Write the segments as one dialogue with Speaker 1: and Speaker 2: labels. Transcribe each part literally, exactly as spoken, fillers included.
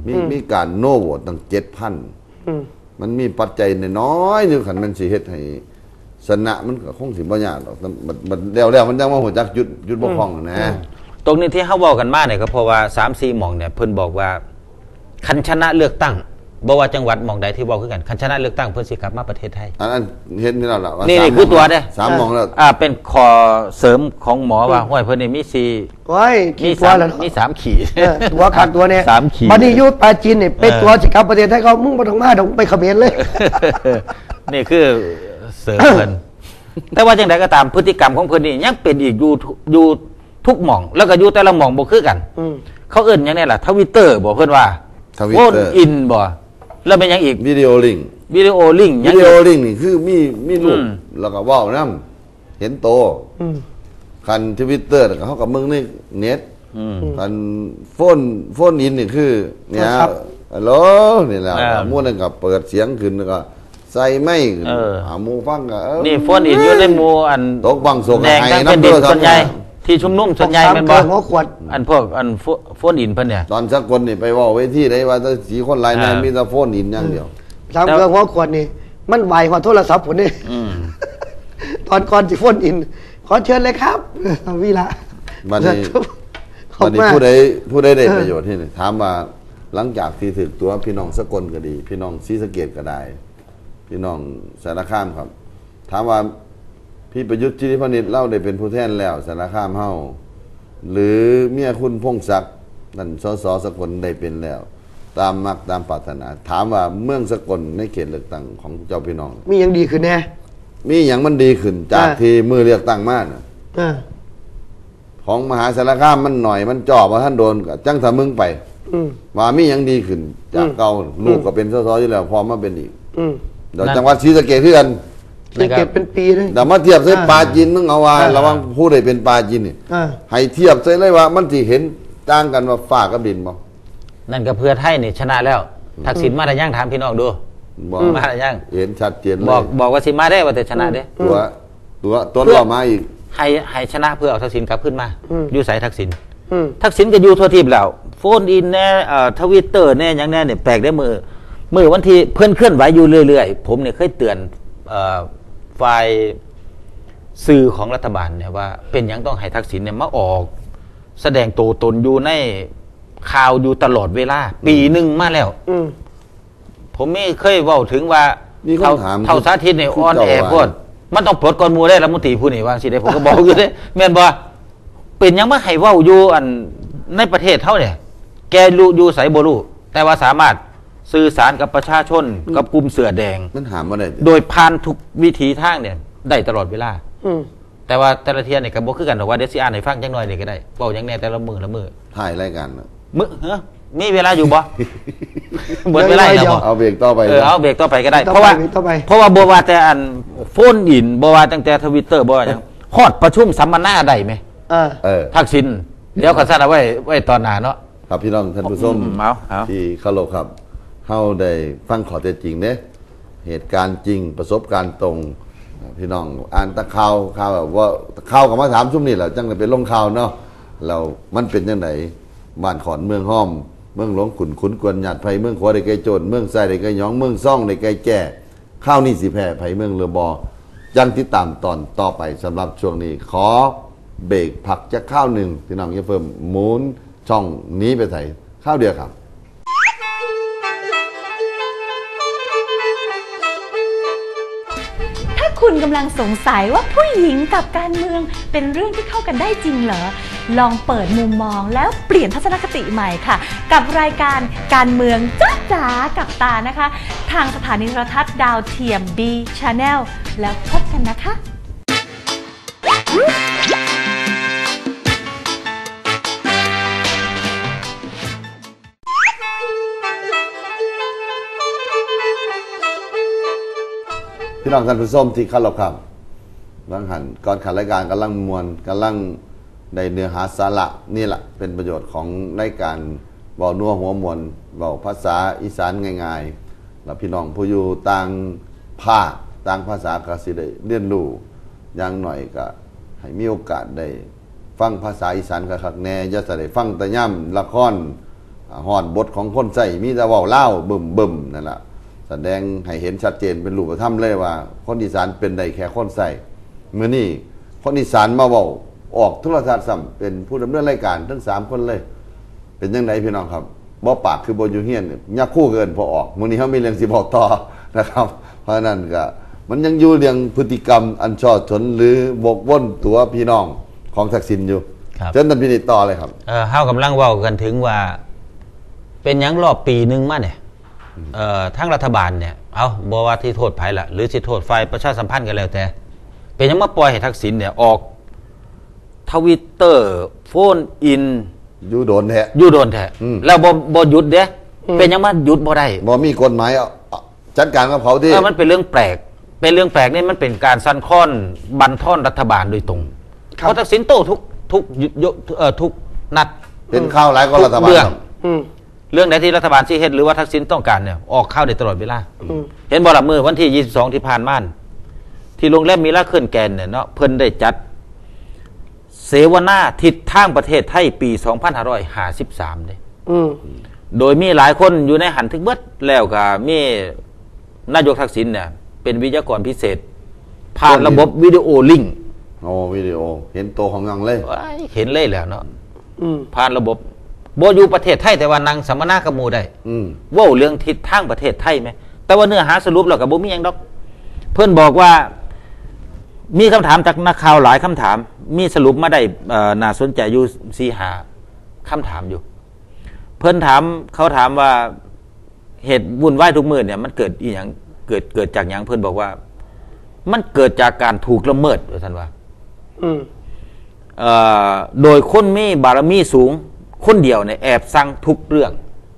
Speaker 1: มีมีการโน่โหวตตั้งเจ็ดพันมันมีปัจจัยน้อยอยู่ขันมันสิเฮ็ดให้ชนะมันก็คงสิบ่ยากหรอกมันแล้วแล้วมันยังว่าหัวจักหยุดหยุดบ่คล่องนะ
Speaker 2: ตรงนี้ที่เขาบอกกันมาเนี่ยก็เพราะว่าสามสี่หม่องเนี่ยเพิ่นบอกว่าคันชนะเลือกตั้งบ่ว่าจังหวัดหม่องใดที่บอกคือกันคันชนะเลือกตั้งเพิ่นสิกลับมาประเทศไทย
Speaker 1: อันนั้นเห็นนี่แล้วล่ะว่า
Speaker 2: นี่คือตัวเด้
Speaker 1: สามหม่องแล้ว
Speaker 2: อ่าเป็นขอเสริมของหมอว่าห้วยเพิ่นนี่มีสี่
Speaker 3: โอ้ย
Speaker 2: มีสามมีสามขีด
Speaker 3: ตัวขาดตัวเนี่ย
Speaker 2: สามขีด
Speaker 3: บัดนี้อยู่ปาจีนนี่เป็นตัวสิกลับประเทศไทยเขามึงบ่ต้องมาต้องไปเขมรเลย
Speaker 2: นี่คือเสริมเพิ่นแต่ว่าจังไดก็ตามพฤติกรรมของเพิ่นนี่ยังเป็นอีกอยู่อยู่ทุกหม่องแล้วก็อยู่แต่ละหม่องบ่คือกันเขาเอิ้นหยังไงล่ะทวิตเตอร์บอกเพิ่นว่าโอนอินบ่แล้วเป็นยังอีก
Speaker 1: วิดีโอลิง
Speaker 2: วิดีโอลิง
Speaker 1: วิดีโอลิงนี่คือมีมีรูปแล้วก็เว้านำเห็นโตคัน Twitter แล้วก็เฮากับมึงนี่เน็ตคันโฟนโฟนอินนี่คือเนี่ยฮัลโหลนี่แหละหมู่นั้นก็เปิดเสียงขึ้นแล้วก็ใส่ไม้ขึ้นหาหมู่ฟังก็
Speaker 2: นี่โฟนอินอยู่ในหมู่อัน
Speaker 1: ตกบังสง
Speaker 2: แดงทั้งเป็นดินส่วนใหญ่ที่ชุมนุมส่วนใหญ่เป็นบ่
Speaker 3: หัวขวด
Speaker 2: อันพวกอันโฟนอินเพิ่นเนี่ย
Speaker 1: ตอนสักคนนี่ไปเว้าเวทีได้ว่าสีคนหลายนายมีแต่โฟนอินอย่างเดียว
Speaker 3: สามเครื่องหัวขวดนี่มันไหวกว่าโทรศัพท์พุ่นนี่ตอนก่อนสิโฟนอินขอเชิญเลยครับวีระ
Speaker 1: บัดนี้บัดนี้ผู้ใดผู้ใดได้ประโยชน์ที่นี่ถามว่าหลังจากที่ถึกตัวพี่น้องสกลก็ดีพี่น้องศรีสะเกษก็ได้พี่น้องสารคามครับถามว่าพี่ประยุทธ์จิริพนิษฐ์เล่าได้เป็นผู้แทนแล้วสารคามเฮาหรือเมียคุณพงศักดิ์นั่นสสสกลได้เป็นแล้วตามมักตามปรารถนาถามว่าเมืองสกลในเขตเลือกตั้งของเจ้าพี่น้อง
Speaker 3: มีอย่างดีขึ้นแน่
Speaker 1: มีอย่างมันดีขึ้นจากที่มือเลือกตั้งมาน่ะของมหาสารคามมันหน่อยมันจ่อว่าท่านโดนจังถ้ามึงไปว่ามีอย่างดีขึ้นจากเก่าลูกก็เป็นสสอยู่แล้วพอมาเป็นอีกเดี๋ยวจังหวัดศรีสะเกษคือกัน
Speaker 3: ศรีสะเกษเป็นปีเลย
Speaker 1: แต่มาเทียบใส่ปลาจีนมึงเอาว่าระวังผู้ใดเป็นปลาจีนนี่ให้เทียบใส่เลยว่ามันสิเห็นต่างกันว่าฟ้ากับดินบ่
Speaker 2: นั่นก็เพื่อไทยนี่ชนะแล้วทักษิณมาได้ยังถามพี่น้องดูมาได้ยัง
Speaker 1: เห็นชัดเจนเลย
Speaker 2: บอกบอกว่าสิมาได้ว่าแต่ชนะเด้
Speaker 1: ตัวตัวต้นรอมาอีก
Speaker 2: ให้ให้ชนะเพื่อเอาทักษิณกลับขึ้นมาอยู่ใส่ทักษิณทักษิณก็อยู่ทั่วทีมแล้วโฟนอินแน่ทวิตเตอร์แน่ยังแน่เนี่ยแปลกได้มือมือวันที่เพื่อนเคลื่อนไหวอยู่เรื่อยๆผมเนี่ยเคยเตือนฝ่ายสื่อของรัฐบาลเนี่ยว่าเป็นยังต้องให้ทักษิณเนี่ยมาออกแสดงตัวตนอยู่ในข่าวอยู่ตลอดเวลาปีหนึ่งมาแล้วผมไม่เคยเว้าถึงว่าเท่าเท่าสาธิตเนี่ยอ่อนแอโคตรมันต้องปลดก่อนมูได้รัฐมนตรีผู้นี่ว่าสิได้ผมก็บอกอยู่เด้แม่นบ่เป็นยังมาให้เว้าอยู่อันในประเทศเท่าเนี่ยแกรู้อยู่ไสบ่รู้แต่ว่าสามารถสื่อสารกับประชาชนกับกลุ่มเสือแดง
Speaker 1: มันหาบ่ได้
Speaker 2: โดยผ่านทุกวิถีทางเนี่ยได้ตลอดเวลาแต่ว่าแต่ละเที่ยเนี่ยก็บ่คือกันดอกว่าเดี๋ยวสิอ่านให้ฟังจังหน่อยนี่ก็ได้เว้าจังแน่แต่ละมื้อละมื้อ
Speaker 1: ถ่ายรายการ
Speaker 2: มื้อเฮ้อมีเวลาอยู่บ่หมดเวลาแล้วบ่
Speaker 1: เอาเบรกต่อไป
Speaker 2: เออเอาเบรกต่อไปก็ได้เพราะว่าเพราะว่าบ่ว่าแต่อันโฟนอินบ่ว่าตั้งแต่ Twitter บ่ว่าหยังฮอดประชุมสัมมนาได้มั้ยเออเออทักษิณเดี๋ยวก็ซัดเอาไว้ไว้ตอนหน้าเนาะ
Speaker 1: ครับพี่น้องท่านผู้ชมที่เคารพครับเฮาได้ฟังข้อเท็จจริงเด้เหตุการณ์จริงประสบการณ์ตรงพี่น้องอ่านตะข่าวข่าวแบบว่าข่าวก็มาถามซุมนี่แหละจังได้เป็นลงข่าวเนาะเรามันเป็นจังได๋บ้านขอนเมืองห้อมเมืองหลวงขุนขุนกวนหยาดไผเมืองขวาได้ไกลโจรเมืองไส้ได้ไกลหยองเมืองซ่องได้ไกลแก่ข้าวนี่สิแพ้ไผเมืองเรือบอยังติดตามตอนต่อไปสำหรับช่วงนี้ขอเบรกผักจะข้าวหนึ่งพี่น้องอย่าเพิ่มหมุนช่องนี้ไปใส่ข้าวเดียวครับ
Speaker 4: ถ้าคุณกำลังสงสัยว่าผู้หญิงกับการเมืองเป็นเรื่องที่เข้ากันได้จริงเหรอลองเปิดมุมมองแล้วเปลี่ยนทัศนคติใหม่ค่ะกับรายการการเมืองจ๊ะจ๋ากับตานะคะทางสถานีโทรทัศน์ดาวเทียม B Channel แล้วพบกันนะคะ
Speaker 1: พี่น้องท่านผู้ชมที่เคารพครับบางหันก่อนขันรายการกำลังมวลกำลังได้เนื้อหาสาระนี่แหละเป็นประโยชน์ของรายการเบานัวหัวมวลเบาภาษาอีสานง่ายๆแล้วพี่น้องผู้อยู่ต่างภาคต่างภาษาก็สิได้เรียนรู้อย่างหน่อยก็ให้มีโอกาสได้ฟังภาษาอีสานคักๆแน่อย่าจะได้ฟังแต่ย่ำละครฮอดบทของคนใส่มีแต่เว้าเล่าบึมบึมนั่นแหละแสดงให้เห็นชัดเจนเป็นรูปธรรมเลยว่าคนอีสานเป็นได้แค่คนใส่เมื่อนี้คนอีสานมาเว้าออกโทรทัศน์ซ้ำเป็นผู้ดำเนินรายการทั้งสามคนเลยเป็นยังไงพี่น้องครับบ่ปากคือบ่อยู่เฮียนยักคู่เกินพอออกมื้อนี้เฮามีเรื่องสิบอกต่อนะครับเพราะนั้นก็มันยังอยู่เรื่องพฤติกรรมอันชอบธนหรือบกว่นตัวพี่น้องของทักษิณอยู่เชิญท่านพินิจต่อเลยครับ
Speaker 2: เออเฮากำลังเว้ากันถึงว่าเป็นหยังรอบปีนึงมาเนี่ยเอ่อทั้งรัฐบาลเนี่ยเอาบ่ว่าที่โทษไผล่ะหรือสิโทษฝ่ายประชาสัมพันธ์กันแล้วแต่เป็นหยังมาปล่อยให้ทักษิณเนี่ยออกทวิตเตอร์โฟนอิน
Speaker 1: อยู่โดนแท้
Speaker 2: อยู่โดนแท้แล้วบ่บ่หยุดเด้เป็นหยังมาหยุดบ่ได้
Speaker 1: บ่มีกฎหมายจัดการกับเขาที่
Speaker 2: เออมันเป็นเรื่องแปลกเป็นเรื่องแปลกนี่มันเป็นการสั่นคลอนบั่นทอนรัฐบาลโดยตรงเพราะทักษิณโต้ทุกทุกเอ่อทุกนัด
Speaker 1: เป็นข้าวหลายก็รัฐบาล
Speaker 2: เรื่องเรื่องไหนที่รัฐบาลชี้เฮ็ดหรือว่าทักษิณต้องการเนี่ยออกข้าวได้ตลอดเวลาเห็นบ่ล่ะมื้อวันที่ยี่สิบสองที่ผ่านมาที่โรงแรมมิราเคิลแกรนด์เนี่ยเนาะเพิ่นได้จัดเสวนาทิศทางประเทศไทยปีสองพันห้าร้อยห้าสิบสามเด้โดยมีหลายคนอยู่ในหันทึกเบิดแล้วก็มีนายกทักษิณเนี่ยเป็นวิทยากรพิเศษผ่านระบบวิดีโอลิงก์
Speaker 1: โอ้วิดีโอเห็นโตของงังเลย
Speaker 2: เห็นเลยแล้วเนาะผ่านระบบโบอยู่ประเทศไทยแต่ว่านั่งสัมมนากับหมู่ได้ว่าเรื่องทิศทางประเทศไทยไหมแต่ว่าเนื้อหาสรุปเรากับโบมีอย่างดอกเพื่อนบอกว่ามีคำถามจากนักข่าวหลายคำถามมีสรุปมาได้น่าสนใจอยู่สี่หาคำถามอยู่เพื่อนถามเขาถามว่าเหตุวุ่นวายทุกมือเนี่ยมันเกิดอีหยังเกิดเกิดจากอย่างเพื่อนบอกว่ามันเกิดจากการถูกละเมิดท่านว่าโดยคนมีบารมีสูงคนเดียวเนี่ยแอบสั่งทุกเรื่อง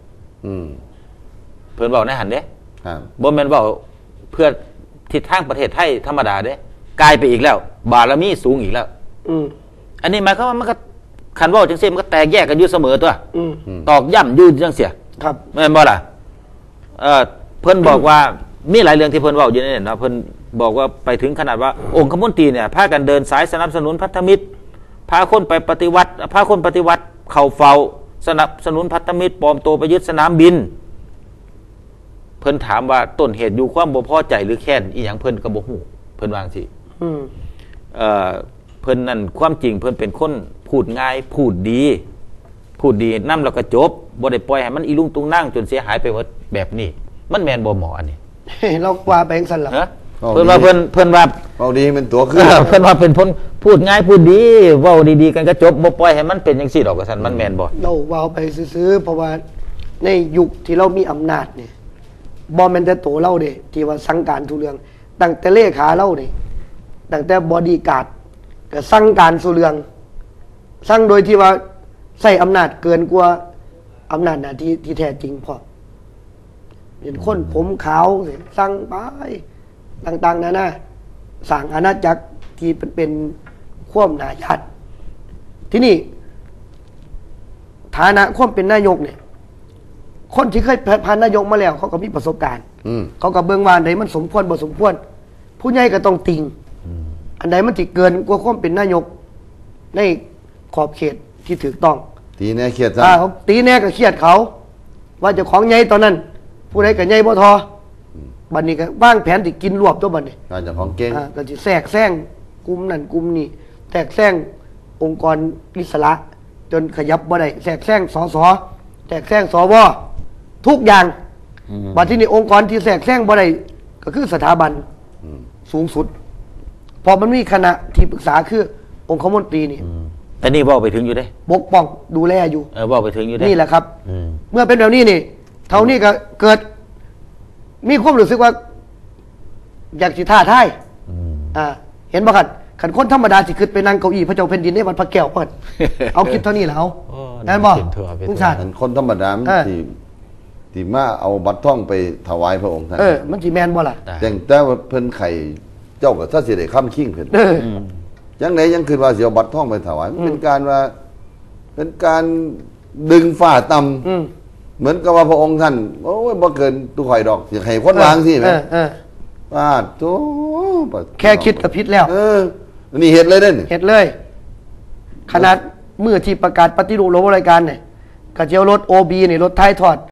Speaker 2: เพื่อนบอกในหันเด้บ่แม่นบอกเพื่อทิศทางประเทศไทยธรรมดาเด้กลายไปอีกแล้วบารมีสูงอีกแล้วอันนี้หมายความว่ามันก็ขันว่าจังเสียมันก็แตกแยกกันอยู่เสมอตัวตอกย่ำอยู่จังเสีย
Speaker 3: ครับ
Speaker 2: แม่นบ่ล่ะเพื่อนบอกว่ามีหลายเรื่องที่เพื่อนว่าอยู่ในเนี่ยนะเพื่อนบอกว่าไปถึงขนาดว่าองค์คมนตรีเนี่ยพากันเดินสายสนับสนุนพันธมิตรพาคนไปปฏิวัติพาคนปฏิวัติเข่าเฝ้าสนับสนุนพันธมิตรปลอมตัวไปยึดสนามบินเพิ่นถามว่าต้นเหตุอยู่ความบ่พอใจหรือแค้นอีหยังเพิ่นก็บ่ฮู้เพิ่นวาจังซี่เอ่อเพิ่นนั่นความจริงเพิ่นเป็นคนพูดง่ายพูดดีพูดดีนำแล้วก็จบบ่ได้ปล่อยให้มันอีลุงตุงนั่งจนเสียหายไปหมดแบบนี้มันแม่นบ่หมออันนี้
Speaker 3: เราว่าไปจังซั่นล่ะ
Speaker 2: เพิ่นว่าเพิ่นเพิ่นว่า
Speaker 1: เว้าดีเป็นตัวคือ
Speaker 2: เพิ่นว่าเป็นคนพูดง่ายพูดดีเว้าดีๆกันก็จบบ่ปล่อยให้มันเป็นจังซี่ดอกว่าซั่นมันแม่นบ่
Speaker 3: เราเว้าไปซื่อๆเพราะว่าในยุคที่เรามีอำนาจนี่บ่แม่นแต่โตเราเด้ที่ว่าสั่งการทุกเรื่องตั้งแต่เลขาเรานี่ตั้งแต่บอดี้การ์ดก็สั่งการสู่เรื่องสั่งโดยที่ว่าใช้อำนาจเกินกว่าอำนาจหน้าที่ที่แท้จริงพอเป็นคนผมขาวสั่งไปต่างๆนานาสร้างอาณาจักรที่เป็นเป็นข่วมหนาญาติที่นี่ฐานะข่วมเป็นนายกเนี่ยคนที่เคยผ่านนายกมาแล้วเขาก็มีประสบการณ์เขาก็เบิ่งว่าอันใดมันสมควรบ่สมควรผู้ใหญ่ก็ต้องติงอันใดมันสิเกินกว่าข่วมเป็นนายกในขอบเขตที่ถูกต้อง
Speaker 1: ตีแน่เครียดซะ
Speaker 3: เขาตีแน่ก็เครียดเขาว่าเจ้าของใหญ่ตอนนั้นผู้ใดก็ใหญ่บ่ทอบัดนี้ก็วางแผนที่กินรวบตัวบัดนี้
Speaker 1: เจ้าของเก่ง
Speaker 3: อ่าก็สิแทรกแซงกลุ่มนั้นกลุ่มนี้แทรกแซงองค์กรอิสระจนขยับบ่ได้แทรกแซงสสแทรกแซงสวทุกอย่างบัดที่นี่องค์กรที่แทรกแซงบ่ได้ก็คือสถาบันสูงสุดพอมันมีคณะที่ปรึกษาคือองคมนตรีนี่
Speaker 2: แต่นี่ว่าไปถึงอยู่ได้
Speaker 3: ปกป้องดูแลอยู่
Speaker 2: เออว่าไปถึงอยู่ได้
Speaker 3: นี่แหละครับเมื่อเป็นแบบนี้นี่เท่านี้ก็เกิดมีความรู้สึกว่าอยากสิท่าทายอ่าเห็นบ่ครับขันคนธรรมดาสิขึ้นไปนั่งเก้าอี้พระเจ้าแผ่นดินในวัดพระแก้วเปิดเอาคิดเท่านี้แล้วนั่นบ่
Speaker 1: ลุงชาติคนธรรมดาที่ที่มาเอาบัตรท่องไปถวายพระองค์ท่าน
Speaker 3: เออมันสิแม่นบ่ล่ะ
Speaker 1: แต่แต่ว่าเพิ่นไข่เจ้าก็ถ้าสิได้ค้ำคิงเพิ่นยังไงยังคือว่าสิเอาบัตรท่องไปถวายมันเป็นการว่าเป็นการดึงฝ่าต่ำเหมือนกับว่าพระองค์ท่านโอ้ยบ่เกินตุข่อยดอกอยากให้คนวางสิแม่ว่าโธ่
Speaker 3: แค่คิดก็ผิดแล้ว
Speaker 1: เออนี่เฮ็ดเลยเด้อ
Speaker 3: เฮ็ดเลยขนาดมื้อที่ประกาศปฏิรูประบบราชการเนี่ยกระเจียวรถ โอ บี นี่รถท้ายทอด